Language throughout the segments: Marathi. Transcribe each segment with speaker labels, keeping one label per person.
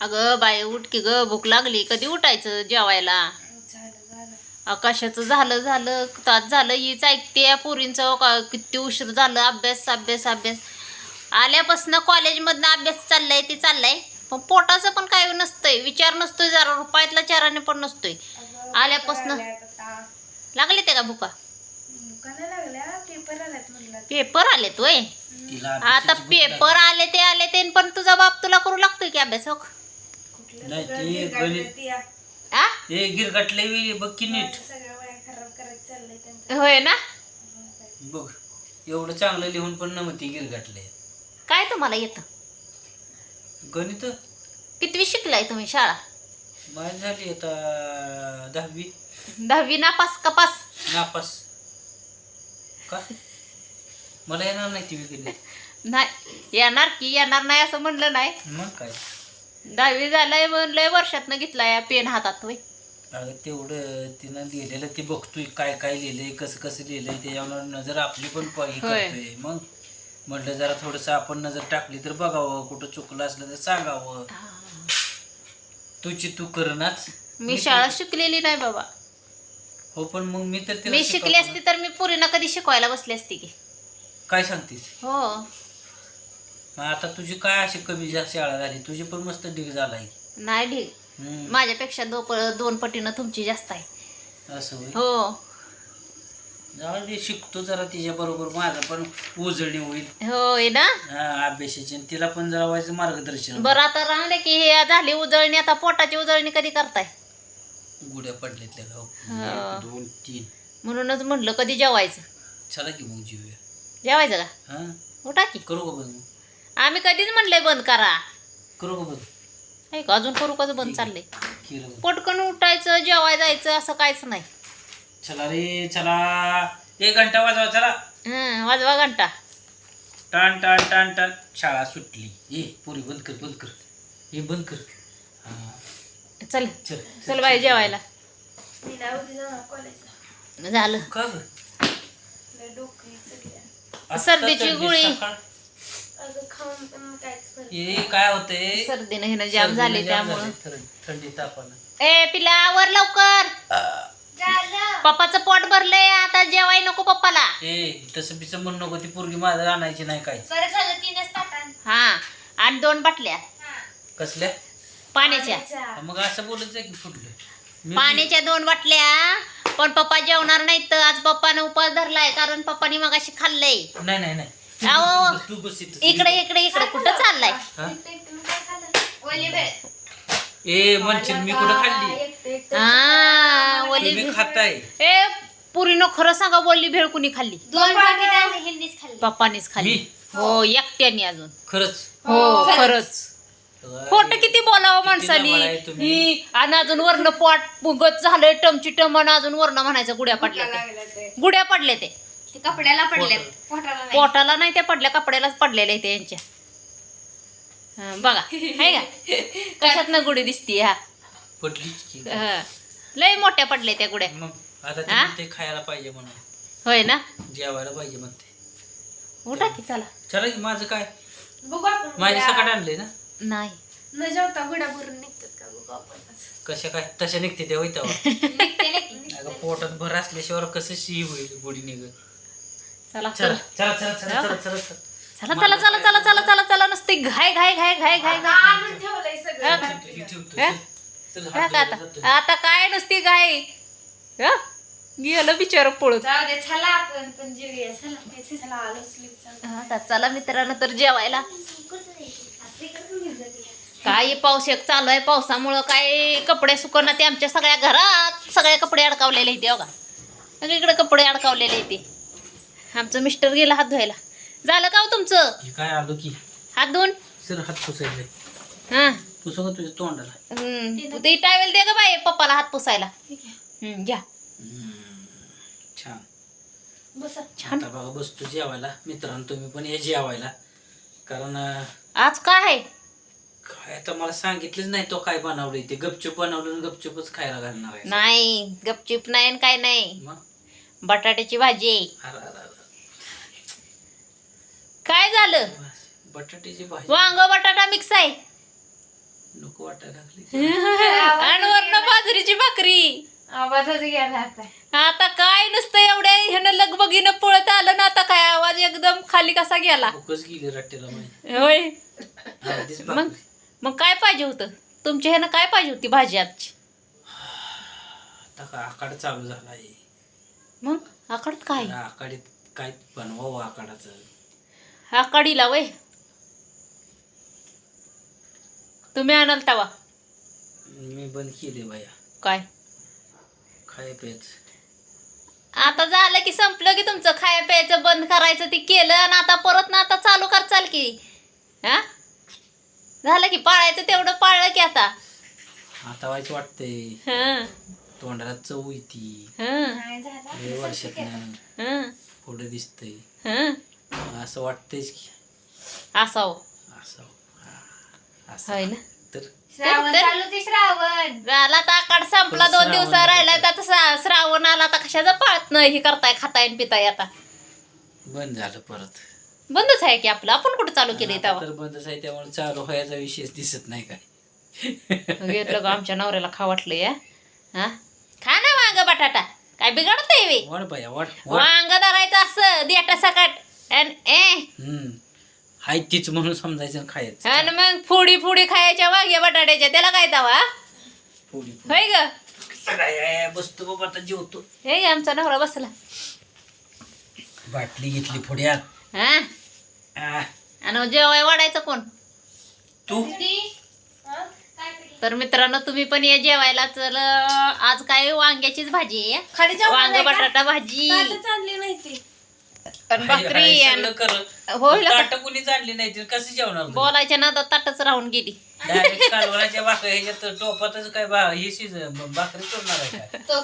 Speaker 1: अगं बाई उठ की ग, भूक लागली. कधी उठायचं जेवायला? आकाशाचं झालं तास झालं हीच ऐकते या पोरींचं किती उशीर झालं. अभ्यास अभ्यास अभ्यास आल्यापासून कॉलेजमधनं अभ्यास चाललाय ते चाललाय, पण पोटाचं पण काय नसतंय, विचार नसतोय, जरा रुपयातला चाराने पण नसतोय. आल्यापासून लागले ते का भुका? पेपर आलेत वय? आता पेपर आले ते पण तुझा बाप तुला करू लागतोय की अभ्यास? हो
Speaker 2: गिरगटले बघ की नीट.
Speaker 1: होय ना.
Speaker 2: बघ एवढं चांगलं लिहून पण नव्हती गिरगटले.
Speaker 1: काय तुम्हाला येतं
Speaker 2: गणित?
Speaker 1: कितवी शिकलाय तुम्ही शाळा?
Speaker 2: माझी झाली आता 10वी.
Speaker 1: 10वी नापास का पास?
Speaker 2: नापास. का मला येणार नाही ती गणित?
Speaker 1: नाही येणार की, येणार नाही असं म्हणलं नाही.
Speaker 2: मग काय
Speaker 1: 10वी झालंय म्हणलंय, वर्षातनं घेतलाय पेन हातात. होय
Speaker 2: अगं तेवढं तिनं लिहिलेलं ते बघतोय, काय काय लिहिलंय, कसं कसं लिहिलंय, त्याच्यावर नजर आपली पण करतोय. मग म्हटलं जरा थोडंसं आपण नजर टाकली तर बघावं, कुठं चुकलं असलं तर सांगावं. तुझी तू करणाच.
Speaker 1: मी शाळा शिकलेली नाही बाबा.
Speaker 2: हो पण मग मी तर
Speaker 1: मी शिकली असती तर मी पुरीना कधी शिकवायला बसली असती की.
Speaker 2: काय सांगतेस?
Speaker 1: हो
Speaker 2: आता तुझी काय अशी कमी जास्त शाळा झाली? तुझी पण मस्त ढीग झालाय.
Speaker 1: नाही ढीग, माझ्यापेक्षा 2 पटीनं तुमची जास्त आहे.
Speaker 2: असं होय?
Speaker 1: हो
Speaker 2: जाऊ दे, शिकतो जरा तिच्या बरोबर, माझं पण उजळणी होईल.
Speaker 1: होय ना.
Speaker 2: अभ्यासाची, आणि तिला पण जरा व्हायचं मार्गदर्शन.
Speaker 1: बरं आता राहले की हे झाली उजळणी, आता पोटाची उजळणी कधी करताय?
Speaker 2: गुड्या पडल्यातल्या का? 1 2 3.
Speaker 1: म्हणूनच म्हटलं कधी जेवायचं.
Speaker 2: चला की मग जीवूया.
Speaker 1: जेवायचं का?
Speaker 2: हा
Speaker 1: उठा की.
Speaker 2: करू का बंद?
Speaker 1: आम्ही कधीच म्हणलंय बंद करा.
Speaker 2: करू का बंद?
Speaker 1: आहे का अजून करू कसं बंद चाललंय?
Speaker 2: केलं बंद.
Speaker 1: पटकन उठायचं जेवाय जायचं असं काहीच नाही.
Speaker 2: चला रे चला, 1 घंटा वाजवा चला.
Speaker 1: वाजवा घंटा.
Speaker 2: टाण टाण टाण टाण. शाळा सुटली. ये पुरी बंद कर बंद कर. हे बंद कर. हा
Speaker 1: चल
Speaker 2: चल
Speaker 1: चल बाई जेवायला. झालं.
Speaker 2: का ग?
Speaker 1: सर्दीची गोळी.
Speaker 2: हे काय होतंय?
Speaker 1: सर्दीनं हिनं जाम झाले त्यामुळं.
Speaker 2: थंडी तापानं.
Speaker 1: ए पिला वर लवकर. पप्पाचं पोट भरलंय, आता जेवाय नको पप्पाला.
Speaker 2: तसं बिसं म्हणू नको, ती पोरगी माझं आणायची नाही काय.
Speaker 1: हा आणि 2 बाटल्या
Speaker 2: कसल्या?
Speaker 1: पाण्याच्या.
Speaker 2: मग असं बोलत जाय की फुटलं.
Speaker 1: पाण्याच्या 2 बाटल्या. पण पप्पा जेवणार नाहीत तर आज पप्पानं उपास धरलाय, कारण पप्पानी मगाशी खाल्लंय.
Speaker 2: नाही नाही नाही.
Speaker 1: अहो
Speaker 2: तू बस इथं.
Speaker 1: इकडे इकडे इकडे कुठं चाललाय?
Speaker 2: म्हणशील मी कुठं खाल्ली? तुम्ही खाताय.
Speaker 1: ए पुरीनं खरं सांगा, बोलली भेळ कुणी खाल्ली?
Speaker 3: 2 पाकिट
Speaker 1: पप्पानीच खाल्ली. हो एकट्याने अजून.
Speaker 2: खरंच?
Speaker 1: हो खरंच. खोटं किती बोलावं माणसानी.
Speaker 2: लबाड आहे तुम्ही.
Speaker 1: ही आणि अजून वरनं पोट पुगत झालंय टमची टमन, अजून वरनं म्हणायचं गुड्या पडल्या ते. गुड्या पडले ते
Speaker 3: कपड्याला पडले, पोटाला नाही.
Speaker 1: पोटाला नाही, त्या पडल्या कपड्यालाच पडलेले ते यांच्या. बघा आहे का कशात ना गुढी दिसती. हा
Speaker 2: पटलीच की.
Speaker 1: लय मोठ्या पडल्या त्या गुड्या.
Speaker 2: मग आता तुम्ही ते खायला पाहिजे म्हणून,
Speaker 1: होय ना.
Speaker 2: जेवायला पाहिजे म्हणते.
Speaker 1: उठा की चला.
Speaker 2: चला की. माझं काय,
Speaker 3: बघू आपण.
Speaker 2: माझ्या सकाळ आणले ना.
Speaker 1: नाही
Speaker 3: न जेवता गुड्या भरून निघतात का बघू आपण.
Speaker 2: कशा काय तशा निघते त्या होईत.
Speaker 3: निघते.
Speaker 2: अगं पोटात भर असल्याशिवाय कसं शी होईल गुढी निघत.
Speaker 1: चला
Speaker 2: चला
Speaker 1: चला
Speaker 2: चला चला चला चला चला.
Speaker 1: चला चला चला चला चला चला चला नुसती घाय घाय घाय घाय घाय घाय.
Speaker 3: आणून ठेवलंय सगळं.
Speaker 2: हे ठेवतो.
Speaker 1: हा?
Speaker 2: चल,
Speaker 1: हा
Speaker 2: हात
Speaker 1: का
Speaker 2: धुवायला
Speaker 1: आता
Speaker 2: जातो.
Speaker 1: आता काय नुसती घाय. गेलं बिचार पळत.
Speaker 3: जाऊ दे, चला आपण पण जेवूया. चला आलोच लिफ्ट.
Speaker 1: आता चला मित्रांनो तर जेवायला. काय पाऊस एक चालू आहे, पावसामुळं काय कपडे सुकणार ते आमच्या सगळ्या घरात सगळे कपडे अडकावलेले इथे. बघा सगळीकडे कपडे अडकावलेले इथे. आमचं मिस्टर गेला हात धुवायला. झालं का हो तुमचं?
Speaker 2: हे काय आलो की
Speaker 1: हात धुवून.
Speaker 2: सर हात पुसायचे.
Speaker 1: हा
Speaker 2: पुसू का तुझ्या तोंडाला?
Speaker 1: ते टावेल दे ग बाई पप्पाला हात पुसायला. घ्या.
Speaker 2: छान.
Speaker 3: बसा.
Speaker 1: छान.
Speaker 2: आता बघा बसतो जेवायला. मित्रांनो तुम्ही पण या जेवायला, कारण
Speaker 1: आज काय आहे?
Speaker 2: काय आता मला सांगितलंच नाही तो काय बनवलंय. ते गपचूप बनवलं आणि गपचूपच खायला घालणार आहे.
Speaker 1: नाही गपचिप नाही आणि काय नाही.
Speaker 2: मग
Speaker 1: बटाट्याची भाजी आहे.
Speaker 2: अरे अरे अरे.
Speaker 1: काय झालं?
Speaker 2: बटाट्याची भाजी
Speaker 1: वांग बटाटा मिक्स आहे.
Speaker 2: नको नको वाटायला लागली.
Speaker 1: आणि वरनं बाजरीची भाकरी.
Speaker 3: आवाजच गेला आता.
Speaker 1: आता काय नसतं एवढ्या ह्यानं लगबगीनं पळत आलं ना, आता काय आवाज एकदम खाली कसा गेला.
Speaker 2: भूकच गेली रट्ट्याला माहिती.
Speaker 1: होय.
Speaker 2: अर्धीच
Speaker 1: मग
Speaker 2: भाकरी.
Speaker 1: मग काय पाहिजे होतं तुमच्या ह्यानं, काय पाहिजे होती भाजी आजची?
Speaker 2: आता का आकाड चालू झाला आहे.
Speaker 1: मग आकडत काय?
Speaker 2: आकाडीत काय बनवावं आकाडाचं.
Speaker 1: आकाडीला वय तुम्ही आणाल तवा
Speaker 2: मी बंद केले बाया
Speaker 1: काय?
Speaker 2: खाय प्यायच.
Speaker 1: आता झालं की संपलं की तुमचं खाया प्यायचं बंद करायचं ते केलं, आणि आता परत ना आता चालू करचाल की. हा झालं की पाळायचं तेवढं पाळलं की आता.
Speaker 2: आता व्हायचं वाटतंय.
Speaker 1: हं,
Speaker 2: तोंडाला चव येती.
Speaker 1: हं,
Speaker 3: नाही झाला.
Speaker 2: लय वर्षातनं
Speaker 1: हं,
Speaker 2: पुढं दिसतंय.
Speaker 1: हं.
Speaker 2: असं वाटतंयच की
Speaker 1: असावं.
Speaker 2: असं असं
Speaker 1: होय ना.
Speaker 2: तर
Speaker 3: श्रावण चालू ते श्रावण.
Speaker 1: झाला आता आकाड संपला,
Speaker 2: पण
Speaker 1: 2
Speaker 2: श्रावण
Speaker 1: दिवसा राहिला
Speaker 2: येतो.
Speaker 1: आता श्रावण आला, आता कशाचं पाळत नाही हे करताय खाताय आणि पिताय. आता
Speaker 2: बंद झालं परत.
Speaker 1: बंदच आहे की आपलं, आपण कुठं चालू केलंय
Speaker 2: आता
Speaker 1: तेव्हा.
Speaker 2: तर बंदच आहे त्यामुळे चालू व्हायचा विषयच दिसत नाही काय.
Speaker 1: घेतलं का आमच्या नवऱ्याला खा वाटलं या. हा खा ना वांग बटाटा, काय बिघडतंय वे.
Speaker 2: वाढ बाया वाढ वाढ.
Speaker 1: वांग धरायचं असं देटा सकाट
Speaker 2: हाय तीच म्हणून समजायचं आणि खायचं.
Speaker 1: आणि मग फुडी खायच्या वांग्या बटाट्याच्या, त्याला काय तवा.
Speaker 2: पोळी
Speaker 1: होय ग.
Speaker 2: पोळी. बसतो बाबा आता जेवतो.
Speaker 1: हे आमचा नवरा बसला.
Speaker 2: बाटली घेतली पुढ्यात.
Speaker 1: हा आणि जेवाय वाढायचं कोण?
Speaker 2: तू
Speaker 1: तर मित्रांनो तुम्ही पण या जेवायला. चल आज काय वांग्याचीच भाजी आहे.
Speaker 3: खाली जाऊन
Speaker 1: वांग
Speaker 3: आलाय का?
Speaker 1: बटाटा भाजी
Speaker 3: ताटच आणली नाही ती.
Speaker 1: आणि भाकरी आणि होईल का?
Speaker 2: ताट कुणी जाणली नाही तर कसं जेवणार तू?
Speaker 1: बोलायच्या नादात ताटच राहून गेली.
Speaker 2: Direct कालवणाच्या भाकरी ह्याच्यात टोपातच काय हे भाकरी चोरणार आहे काय?
Speaker 3: तो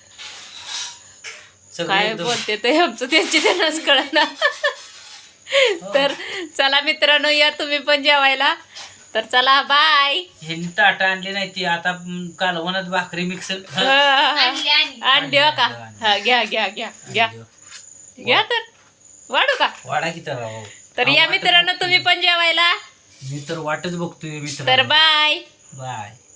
Speaker 2: सगळं
Speaker 1: काय
Speaker 2: एकदम-
Speaker 1: बोलते ते आमचं त्यांची त्यांनाच कळना. तर चला मित्रांनो या तुम्ही पण जेवायला. तर चला बाय.
Speaker 2: ह्यांनी ताट आणली नाही ती आता कालवणात भाकरी मिक्सर
Speaker 3: आणली आणली.
Speaker 1: अंडी हो का? हा घ्या घ्या घ्या घ्या घ्या. तर वाढू का?
Speaker 2: वाडा की तर
Speaker 1: तर या मित्रांनो तुम्ही पण जेवायला.
Speaker 2: मी तर वाटच बघतोय मित्र.
Speaker 1: तर बाय.
Speaker 2: बाय.